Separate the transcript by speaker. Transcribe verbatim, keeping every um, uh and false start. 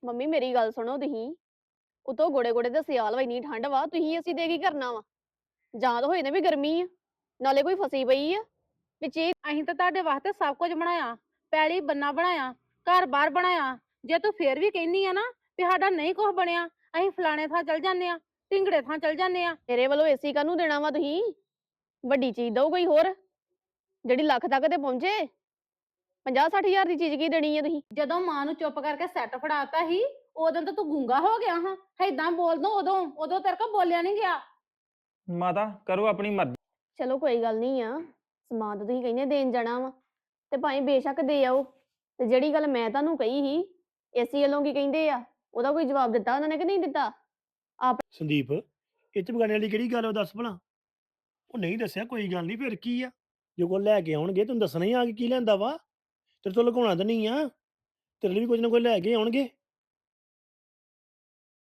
Speaker 1: Mummy ਮੇਰੀ ਗੱਲ ਸੁਣੋ ਤੁਸੀਂ। ਉਤੋਂ ਗੋੜੇ ਗੋੜੇ ਤੇ ਸਿਆਲ ਵਾ, ਇੰਨੀ ਠੰਡ ਵਾ, ਤੁਸੀਂ ਅਸੀਂ ਦੇ ਕੀ ਕਰਨਾ ਵਾ? ਜਾਂ ਤਾਂ ਹੋਏ ਨੇ ਵੀ ਗਰਮੀ ਆ, ਨਾਲੇ ਕੋਈ ਫਸੀ ਪਈ ਆ ਵਿੱਚ ਇਹ।
Speaker 2: ਅਸੀਂ ਤਾਂ ਤੁਹਾਡੇ ਵਾਸਤੇ ਸਭ ਕੁਝ ਬਣਾਇਆ, ਪੈਲੀ ਬੰਨਾ ਬਣਾਇਆ, ਘਰ ਬਾਰ ਬਣਾਇਆ। ਜੇ ਤੂੰ ਫੇਰ ਵੀ ਕਹਿੰਦੀ ਆ ਨਾ ਵੀ ਸਾਡਾ ਨਹੀਂ ਕੁਝ ਬਣਿਆ, ਅਸੀਂ ਫਲਾਣੇ ਥਾਂ ਚਲ ਜਾਂਦੇ ਆ, ਢਿੰਗੜੇ ਥਾਂ ਚਲ ਜਾਂਦੇ ਆ।
Speaker 1: ਮੇਰੇ ਵੱਲੋਂ ਏਸੀ ਕਾਹਨੂੰ ਦੇਣਾ ਵਾ ਤੁਸੀਂ? ਵੱਡੀ ਚੀਜ਼ ਦਓ ਕੋਈ ਹੋਰ, ਜਿਹੜੀ ਲੱਖ ਤੱਕ ਤੇ ਪਹੁੰਚੇ। ਪੰਜਾਹ ਸੱਠ ਹਜ਼ਾਰ ਦੀ ਚੀਜ਼ ਕੀ ਦੇਣੀ ਆ ਤੁਸੀਂ?
Speaker 2: ਜਦੋਂ ਮਾਂ ਨੂੰ ਚੁੱਪ ਕਰਕੇ ਸੈੱਟ ਫੜਾਤਾ ਸੀ, ਉਦੋਂ ਤਾਂ ਤੂੰ ਗੂੰਗਾ ਹੋ ਗਿਆ ਹਾਂ। ਏਦਾਂ ਬੋਲ ਦੋ, ਉਦੋਂ ਉਦੋਂ ਤੇਰੇ ਕੋਲ ਬੋਲਿਆ ਨਹੀਂ ਗਿਆ।
Speaker 3: ਮਾਤਾ ਕਰੋ ਆਪਣੀ ਮਰਜ਼ੀ।
Speaker 1: ਚਲੋ ਕੋਈ ਗੱਲ ਨਹੀਂ ਆ, ਸਮਾਨ ਤਾਂ ਤੁਸੀਂ ਕਹਿੰਦੇ ਦੇਣ ਜਾਣਾ ਵਾ ਤੇ ਭਾਵੇਂ ਬੇਸ਼ੱਕ ਦੇ ਆਓ। ਤੇ ਜਿਹੜੀ ਗੱਲ ਮੈਂ ਤੁਹਾਨੂੰ ਕਹੀ ਸੀ ਏਸੀ ਵੱਲੋਂ ਕੀ ਕਹਿੰਦੇ ਆ, ਉਹਦਾ ਕੋਈ ਜਵਾਬ ਦਿੱਤਾ ਉਹਨਾਂ ਨੇ ਕਿ ਨਹੀਂ ਦਿੱਤਾ?
Speaker 4: ਸੰਦੀਪ ਇਹ ਚ ਬਗਾਨੇ ਵਾਲੀ ਕਿਹੜੀ ਗੱਲ ਆ, ਦੱਸ ਭਲਾ। ਉਹ ਨਹੀਂ ਦੱਸਿਆ, ਕੋਈ ਗੱਲ ਨਹੀਂ, ਫਿਰ ਕੀ ਆ। ਜੋ ਕੋਲ ਲੈ ਕੇ ਆਉਣਗੇ ਤੈਨੂੰ ਦੱਸਣਾ ਹੀ ਆ ਕਿ ਕੀ ਲੈਂਦਾ ਵਾ। ਤੇਰੇ ਤੋਂ ਲੁਕਾਉਣਾ ਤਾਂ ਨਹੀਂ ਆ, ਤੇਰੇ ਲਈ ਵੀ ਕੁਝ ਨਾ ਕੁਝ ਲੈ ਕੇ ਆਉਣਗੇ।